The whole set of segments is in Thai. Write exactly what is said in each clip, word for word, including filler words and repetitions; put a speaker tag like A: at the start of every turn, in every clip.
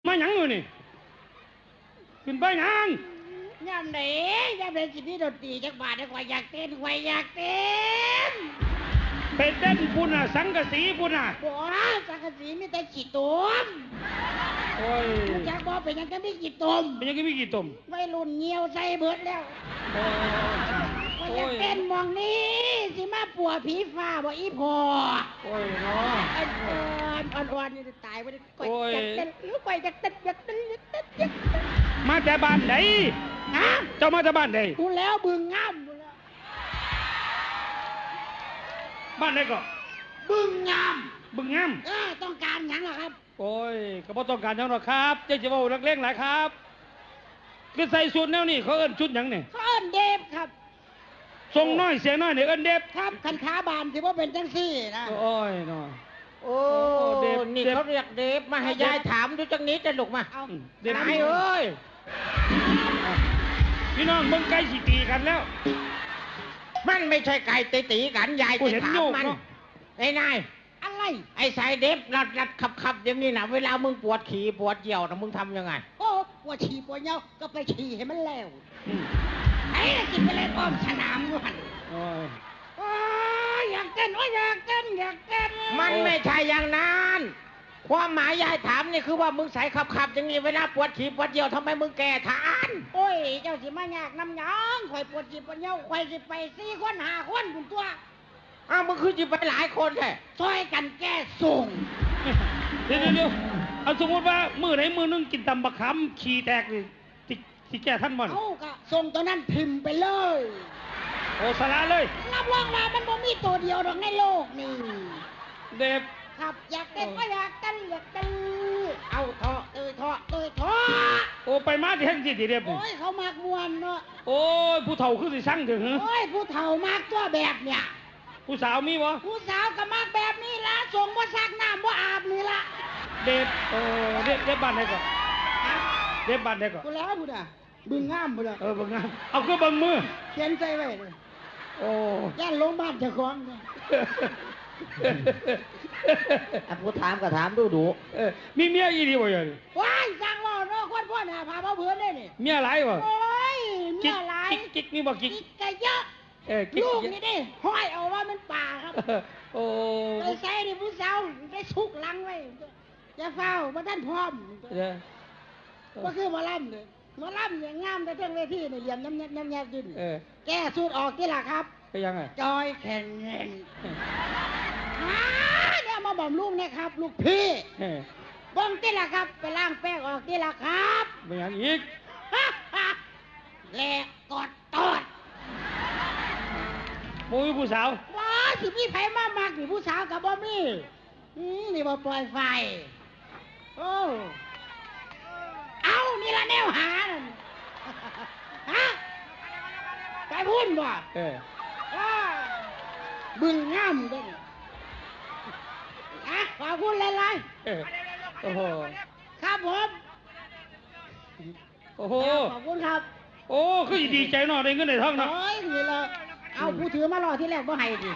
A: มาหยังอยู่นี่ขึ้นไปหยัง
B: ยามไหนยามไหนสิพี่ดนตรีจักบาทได้กว่าอยากเต้นกว่าอยากเต้น
A: ไปเต้นปุ่นอ่ะสังกะสีปุ่นอ่ะ
B: บ่สังกะสีมีแต่ขี้ตุ่ม
A: โอ้ย
B: จักบ่เป็นยังก็มีกี่ตุ่ม
A: เป็นยังก็มีกี่ตุ่ม
B: วัยรุ่นเหี่ยวใส่เบิดแล้วโอ้ยอยากเต้นมองนี้สิมาปัวผีฟ้าบ่อีพอ
A: โอ้ยเนาะ
B: อ่อนอ่อนๆนี่ตายบ่ได้ก่อยจักเต้นหรือก่อยจักเต้นจักเต้นจักเต้นจักเต้น
A: มาแต่บ้านไหน
B: ฮะ
A: เจ้ามาแต่บ้านไหน
B: กูแล้วบึงงามกูแล้ว
A: บ้านไหนก็
B: บึงงาม
A: บึงงาม
B: เออต้องการหยังล่ะครับ
A: โอ้ยก็บ่ต้องการหยังหรอกครับเจ๊จะว่านักเลงหลายครับคือใส่ชุดแนวนี้เขาเอิ้นชุดหยังนี่
B: เขาเอิ้นเดฟครับ
A: ทรงน้อยเสียงน้อยนี่เอิ้นเดฟ
B: ครับคันขาบานสิบ่เป็นจังซี่นะ
A: โอ้ยน้อย
C: โอ้เดฟนี่เขาเรียกเดฟมาให้ยายถามดูจังนี้จะลุกมา
B: เอา
C: เดฟเอ้ย
A: พี่น้องมึงใกล้สิตีกันแล้ว
C: มันไม่ใช่ไก่ตีตีกันยายจะถามมันไอ้นาย
B: อะไร
C: ไอ้สายเดฟรัดรัดขับขับอย่างนี้นะเวลามึงปวดขี่ปวดเยี่ยวนะมึงทำยังไง
B: โอ้ปวดฉี่ปวดเยี่ยวก็ไปฉี่ให้มันแล้วไอ้กินไปเลยอ้อมสนามด้วย
A: โอ้ย
B: โอ้ยอยากเต้นโอ้ยอยากเต้นอยากเต้น
C: มันไม่ใช่อย่างนั้นความหมายยายถามนี่คือว่ามึงใส่ขับขับอย่างนี้เวลาปวดขี่ปวดเยี่ยวทำไมมึงแก่ทาน
B: โอ้ยเจ้าสิมาอยากน้ำหยองข่อยปวดฉี่ปวดเยี่ยวข่อยสิไปสี่คนห้าคนคุณตัว
C: อ้าวมึงคือจะไปหลายคนแท้
B: ช่วยกันแก้ส่ง
A: เดี๋ยวเดี๋ยวเอาสมมติว่ามือไหนมือนึงกินตำบักคำขี่แตกเลยติติแก่ท่านบ่น
B: เอากะส่งตัวนั้นพิมพ์ไปเลย
A: โอ้สาระเลย
B: รับรองว่ามันบ่มีตัวเดียวหรอกในโลกนี่
A: เด็บ
B: ครับอยากเต้นก็อยากเต้นอยากเต้นเอาเถาะเตยเถาะเตยเถาะ
A: โอ้ไปมาที่แห่งสิเด็บ
B: โอ้ยเขามากมวนเนาะ
A: โอ้ยผู้เฒ่าคือสิสั่งถึง
B: โอ้ยผู้เฒ่ามากตัวแบบเนี่ย
A: ผู้สาวมีวะ
B: ผู้สาวก็มากแบบนี้ละส่งบ่ซักน้ำบ่อาบนี่ละ
A: เด็บเออเด็บเด็บบ้านไหนก่อนเด็บบ้านไหนก่อน
B: กูแล้วบุญอ่ะบึงงามบุญอ่ะ
A: เออบึงงามเอาคือบึงมือ
B: เขียนใจไว้เลย
A: โอ้
B: ย่านลงบ้านเจ้าของ
C: อ่ะกูถามก็ถามดูดู
A: มีเมียอีดีบ่ยัง
B: ว้ายสั่งว่าเนาะคนพ่อหน้าพาพ่อเพื่อนได้นี่
A: เมียหลายบ่
B: โอ้ยเมียหลาย
A: กิ๊กมีบ่กิ๊ก
B: กิ๊กก็เยอะลูกนี่ดิห้อยเอาว่ามันป่าครับ
A: โอ้
B: ไปใส่ดิผู้สาวได้ชุกลังไว้จะเฝ้าบ่ท่านพร้อมก็คือหมอลำเลยหมอลำอย่างงามแต่เรื่องเวทีเนี่ยเรียนน้ำแนบน้ำแนบยืนแก้สูตรออกที่หลักครับ
A: ไปยังไง
B: จอยแข่งเงินเนี่ยมาบ่มลูกเนี่ยครับลูกพี่บ้องที่หลักครับไปล้างแป้งออกที่หลักครับ
A: ไปยังอีก
B: แหลกกอดตอด
A: มูยผู้สาว
B: ว้าสิพี่ไผ่มามากนี่ผู้สาวกับบ่มีนี่บ่ปล่อยไฟโอ้เอานี่ละแนวหาฮะไปพุ่นบ่
A: เออ
B: บึงงามด้วยอ่ะขอบคุณหลาย
A: ๆโอ้โห
B: ครับผม
A: โอ้โห
B: ขอบคุณครับ
A: โอ้คือดีใจหน่อยได้เงินได้ทองเนาะ
B: โอ้ยนี่เลยเอาผู้ถือมารอที่แรกบ่ให้ดิ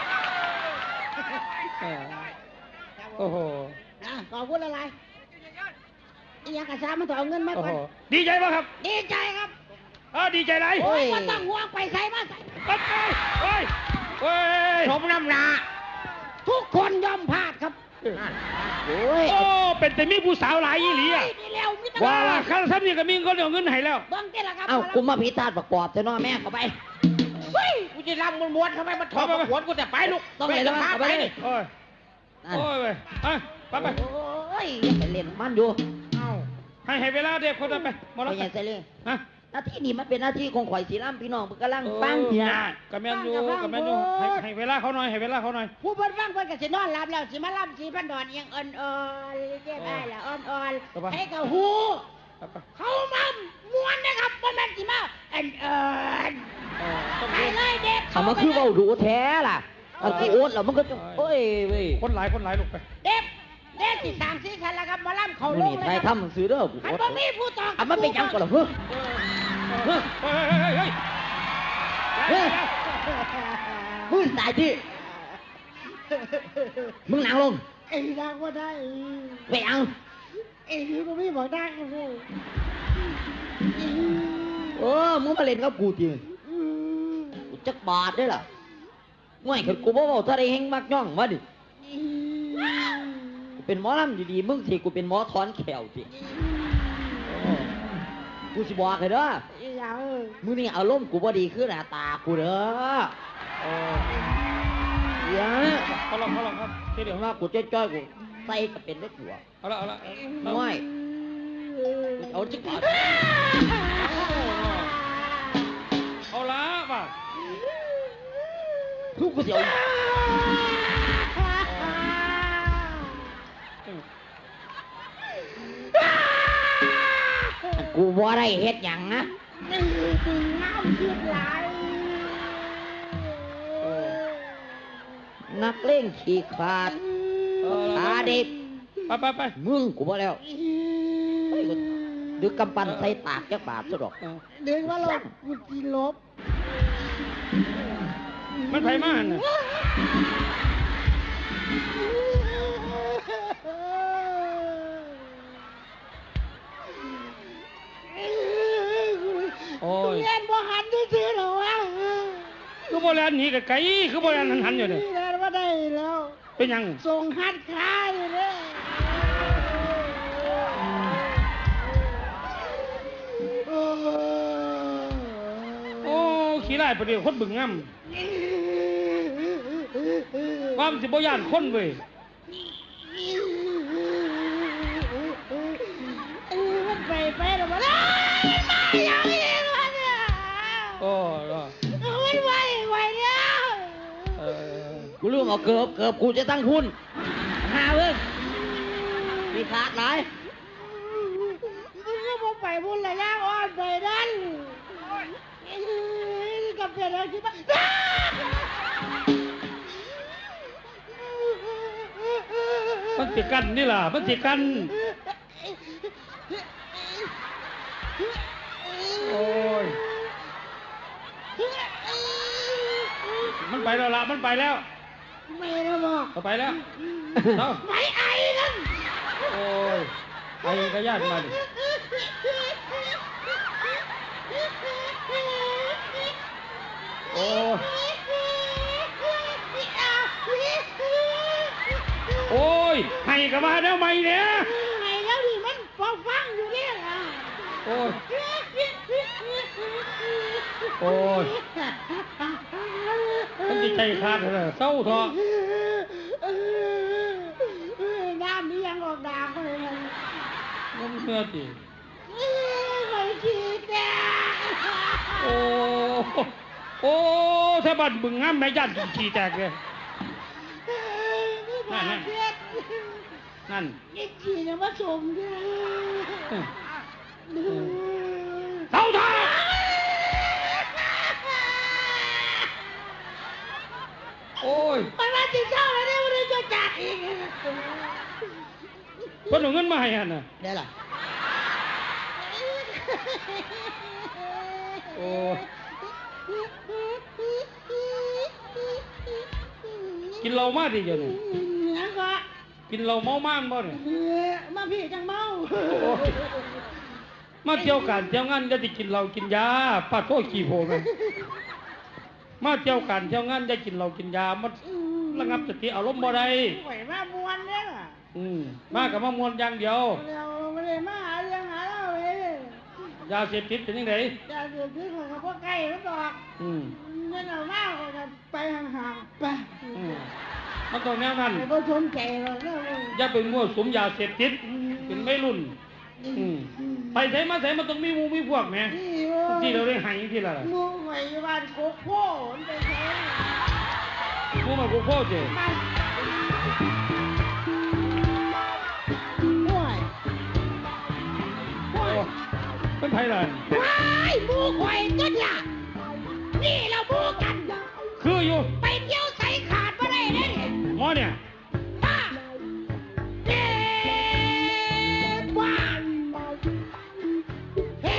A: โอ้โห
B: ขอบคุณหลายๆอีหยังกระซ่ามันต้องเอาเงินมาก่อน
A: ดีใจป่ะครับ
B: ดีใจครับ
A: อ๋อดีใจไร
B: โอ้ยมันต้องห่วงไปใส่มาใส่
A: ไปไปไป
C: ชมน้ำหนา
B: ทุกคนยอมพลาดครับ
A: โอ้โอ้เป็นแต่มีผู้สาวหลายยี่หลีอ่ะว่าข้าท่านนี่ก็มีก็เดี๋ยวเงินให้แล้ว
B: บังเกล้าครับ
C: เอ้ากูมาพิธาประกอบแต่น้อแม่เข้าไปเฮ้ยกูจะรำม้วนๆทำไมมันถอดหัวกูแต่ไปลูก
B: ต้องเลยต้อง
C: ไปนี่
A: โอ้ยโอ้ยไปไปไป
C: โอ้ยยังเล่นมันอยู่
A: เอ้าให้ให้เวลาเด็กคนนั้นไป
C: มาแล้วไปยังเซเล่
A: ฮะ
C: หน้าที่นี่มันเป็นหน้าที่ของข่อยสีร่ำพี่น้องกำลังฟังเนี่ย
A: กับแม่ยูกับแม่ยูให้ให้เวลาเขาหน่อยให้เวลาเขาหน่อย
B: ผู้เพิ่นฟังเพิ่นก็สินอนหลับแล้วสิมาล่ำสีพันดอนยังอ่อนๆเจ็บอ้ายละอ่อนๆให้กับหูเขามาม้วนนะครับบ่แม่นสิมาอ่อนๆไปเลยเด็ก
C: เขามาคือเว้าดูแท้ล่ะเอาที่โอ๊ตแล้วมันก็โอ้ยเว้ย
A: คนหลายคนหลายลูกไป
B: เด็กเด็กที่สามสี่คันแล้วครับมาล่ำเขาลงเลย
C: ครับทำซื้อเด้อ
B: อันบ่มีผู้ตอบ
C: อันมันเป็นยังก่อนเหรอเฮ้ยเฮ้ยเฮ้ยเฮ้ยมึงตายดิมึงนั่งลง
B: ไอ้นางว่าได้
C: ไปเอา
B: เอ้ยกูไม่บอกได้เลย
C: เออมึงมาเล่นกับกูจริงกูจักบาทได้ล่ะง่วยคือกูบ่บอกถ้าได้เฮงมักย่องมาดิกูเป็นหมอลำดีๆมึงสิกูเป็นหมอถอนแขวสิกูสิบอกให้เด้อ
B: อย่าเออ
C: มึงนี่อารมณ์กูบ่ดีขึ้นหน้าตากูเด้อโอ้ยา
A: เขาลองเขาลองครับที่เดี๋
C: เดี๋
A: ย
C: ยว วว่ากูจ้อยๆกูใส่ก็เป็นได้กูอ่ะ
A: เอาละเอาละ
C: ง่วยเอาจักบาท
A: เอาละป่ะ
C: ทุกกูสิเอากูบ่ได้เฮ็ดหยังนะ
B: นี่ถึงน้ำคิดไหล
C: นักเล่นขี้ขาดขาเด็ก
A: ไปไปไป
C: มึงกูบ่แล้วเฮ้ยกูดึกกำปั้นใส่ปากจักบาทซะดอก
B: เด็กว่าเรากูจีลบ
A: มันไผมาน่ะโอ้ย
B: เล่นบ่หันซื่อๆหรอวะ
A: คือโบราณหนีกับไก่คือโบราณหันหันอยู่เนี่ย
B: เล่นว่าได้แล้ว
A: เป็นหยัง
B: ส่งหัดขาอยู่เลย
A: โอ้ขี้ไล่ประเดี๋ยวคนบึงงำว่ามันสิบ่ย่านคนเว้ย
B: มันไปไปหรอวะไม่ยังเองวะเนี่ย
A: โอ้ย
B: มันไหวไหวเนี่ย
A: เออ
C: กูลืมเอาเกือบเกือบกูจะตั้งทุนหาเว้ยมีขาดหลาย
B: มึงก็มาไปบุญระยะอ่อนไปนั่นกับเพื่อนเราคิดว่า
A: มันสิกันนี่ล่ะมันสิกันโอ้ยมันไปแล้วล่ะมันไปแล้ว
B: ไม่ได้บอก
A: เอาไปแล้วเอา
B: ไม่ไอ้นั่น
A: โอ้ยไอ้กระยาดมาดิโอ้ยโอ้ยให้กับมาแล้วไหมเนี่ย
B: ไงแล้วดิมันพอฟังอยู่เนี่ยนะ
A: โอ้ยโอ้ยมันจิใจขาดเลยเศร้าเถอะ
B: น้ำนี่ยังออกดาบเลยมัน
A: มันเมื่อจี
B: ไม่คิดแต่
A: โอ้โอ้ถ้าบัดบึงงามแม่ยันขี้แตกเลย นั่นนั่น นั่น
B: นี่จีเนี่ยมาชมด้วย
A: เศร้าเถอะโอ้ย
B: มันมาจีเศร้าแล้วเนี่ยมันจะจัดอีก
A: คนเอาเงินมาให้ฮะน่ะ
C: ได้ล่ะ
A: โอ้กินเหล้ามาดิเดี๋ยวนี้
B: นั่นก็
A: กินเหล้าเมาม่านบ่เนี่ย
B: มาพี่จังเมา
A: โอ้ยมาเที่ยวกันเที่ยวงานจะได้กินเหล้ากินยาปาโทษขี้โพกันมาเที่ยวกันเที่ยวงานได้กินเหล้ากินยามันระงับสติอารมณ์บ่ได้
B: ไหวมามวนเนี่ย
A: อืมมากับมามวนอย่างเดียว
B: เราไม่ได้มาหาเรื่องหาเล่าเลย
A: ยาเสพติดเป็นยังไง
B: จะเดือดที่ของพวกไก่แล้วบอก
A: อืม
B: เงินเอามากกว่าไปห่างๆไป
A: อืมมันต้องแนวนั้น
B: ไอ้พวกชนใจเราเนี่ย
A: อย่าไปมั่วสุมยาเสพติดเป็นไม่รุ่น อืมไปใส่มาใส่มันต้องมีหมูมีพวกแหมที่เราได้ใหายที่ละล่ะ
B: มูไหวบ้านโคกโพ่มันไปใช้
A: หมูมันกูโคตรเจ้
B: มันห่วยห่วย
A: เป็นไทยเลย
B: ว้ายหมูข่อยก็เนี่ยนี่เราหมูกัน
A: คืออยู่
B: ไปเที่ยวใส่ขาดมาได้เลยเนี่ย
A: หมอเนี่ย
B: ป้าเฮ้บ้าเฮ้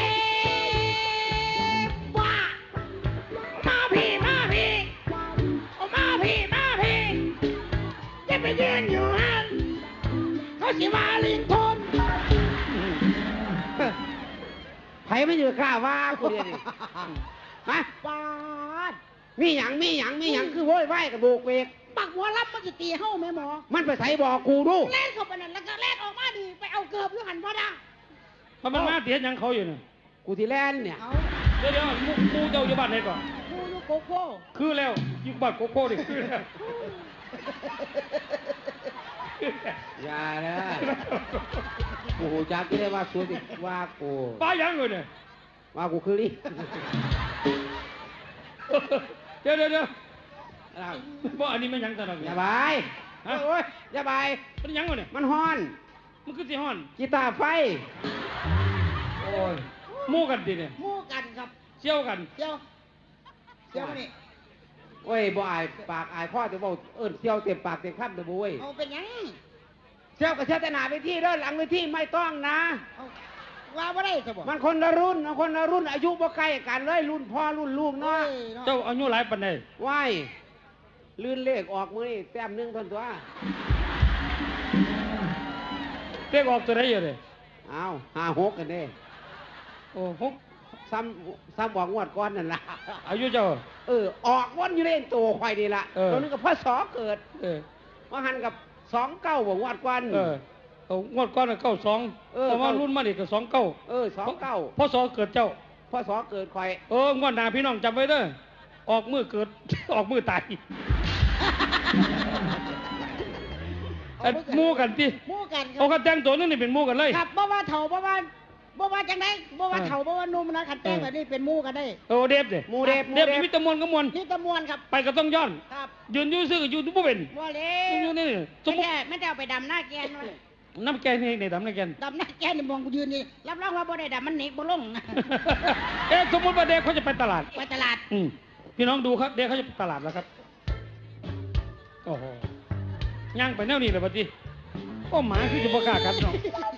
B: บ้ามาพี่มาพี่เอามาพี่มาพี่จะไปยืนอยู่หันเขาสิมาลิงทน
C: ไม่อยู่กล้าว่ากูเดียวนี่ฮะ
B: ปาด
C: มีหยังมีหยังมีหยังคือโว้ยไหวกับโบกเวก
B: ปักหัวรับมันจะตีเฮ้าแม่หมอ
C: มันไปใส่บอกกูดู
B: แล่นเข้าไปนั่นแล้วก็แล่นออกมาดีไปเอาเกือบอยู่หันบ่ได้
A: เพราะมันมาเตียนยังเขาอยู่เนี่ย
C: กูที่แลนเนี่ย
B: เอา
A: เดี๋ยวเดี๋ยวมูมูเจ้าอยู่บ้านไหนก่อน
B: ดูดูโกโก้
A: คือแล้วอยู่บ้านโกโก้ดิคือแล้ว
C: อย่านะกูหูจักที่ได้ว่าสวยดิว่ากู
A: ป้ายังเลยเนี่ย
C: ว่ากูคือลิ
A: เดี๋ยวเดี๋ยวเดี๋ยว
C: อะไร
A: บ่อันนี้มันยังตลอด
C: อย่าบายโอ้ยอย่าบาย
A: มันยังวะเนี่ย
C: มันฮ้อน
A: มันคือสิฮ้อน
C: กีตาร์ไฟ
A: โอ้ยมู่กันดิเนี่ย
B: หมู่กันครับ
A: เชี่ยวกัน
B: เดี๋ยวเดี๋ยวมานี่
C: โอ้ยบ่อายปากอายข้อจะบอกเอิ้นเซี่ยวเต็มปากเต็มคำเด้อบุ้ย
B: เอาเป็นหยัง
C: เซี่ยวกับเซี่ยวแต่หน้าเวทีเด้อหลังเวทีไม่ต้องนะ
B: เอาว่าบ่ได้ซะบ่
C: มันคนละรุ่นมันคนละรุ่นอายุบ่ใกล้กันเลยรุ่นพ่อรุ่นลูก
B: เนาะ
C: เนาะ
A: เจ้าอายุหลายปานใด
C: ว้ายลื่นเลขออกมือนี่แต้มหนึงทนตัว
A: เรียกออกตัวไหนอยู่เลย
C: อ้าวห้าหกกันเด้
A: โอ้หก
C: ซ้ำซ้ำบอกงวดก้อนนั่นล่ะ
A: อายุเจ้า
C: เออออกวนอยู่เล่นตัวควายนี่ล่ะ
A: เออ
C: ตัวนึงกับพ่อสอเกิด
A: เออ
C: ว่าหันกับสองเก้าบอกงวดก้อน
A: เออเอางวดก้อนเก้าสอง
C: เออ
A: แต่ว่ารุ่นมาดิก็สองเก้า
C: เออสองเก้า
A: พ่อสอเกิดเจ้า
C: พ่อสอเกิดควาย
A: เอองวดหน้าพี่น้องจำไว้เด้อออกมือเกิด ออกมือตายอันหมู่กันติ
B: หมู่กันครั
A: เอากันแต่งตัวนึงนี่เป็นหมู่กันเลย
B: ครับบ่ว่าเฒ่าบ่ว่าบ่ว่าจังได๋บ่ว่า
A: เออ
B: เฒ่าบ่ว่าหนุ่มนะคันแต่ง
A: เออ
B: แบบนี้เป็นหมู่กันได้
A: โอ้เดฟเด้
C: หมูเดฟหมู
A: เดฟ
C: เดฟ
A: มีแตะมวนก็มวน
B: นี่ตะมวนครับ
A: ไปก็ต้องย้อน
B: ครับ
A: ยืนอยู่ซื่อก็อยู่บ่เป็น
B: บ่เล
A: อยู่
B: ว
A: นี่สมมุติ
B: ไม่ได้ไม่ได้เอาไปดำหน้าแกนไว้
A: น้ำแกงนี่ในดำน้ำแกง
B: ดำหน้าแกนนี่มองกูยืนนี่รับรองว่าบ่ได้ดำมันหนิกบ่ลง
A: เอ๊ะสมมติว่าเด็กเขาจะไปตลาด
B: ไปตลาด
A: อืมพี่น้องดูครับ เด็กเขาจะไปตลาดแล้วครับ โอ้โหย่างไปแนวนี้เลยปะจีโอ้หมาคือจะประกล้าศกันเนาะ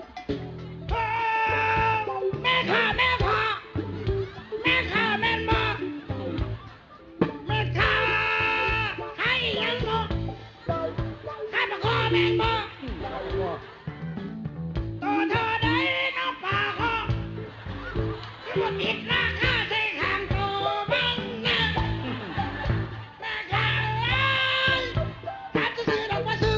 B: แม่ข้าแม่พ่อแม่ข้าแม่นบ่แม่ข้าใครยังบ่ข้ามาขอแม่นบ่ตัวเธอได้น้องป่าขอคือว่าผิดราคาใส่ข้างตัวบังนะแม่ข้าเอ้ยถามจะซื้อดอกบ่ซื้อ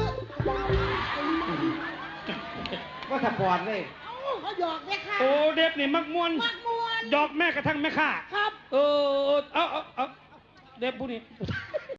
C: ว่าสปอร์ตเลย
B: เอ้าเขาหยอกแม่ข้า
A: โอ้เด็กนี่มักมวน
B: มักมวน
A: ดอกแม่กระทั่งแม่ข้า
B: ครับ
A: เออเอาเอาเอาเด็กผู้นี้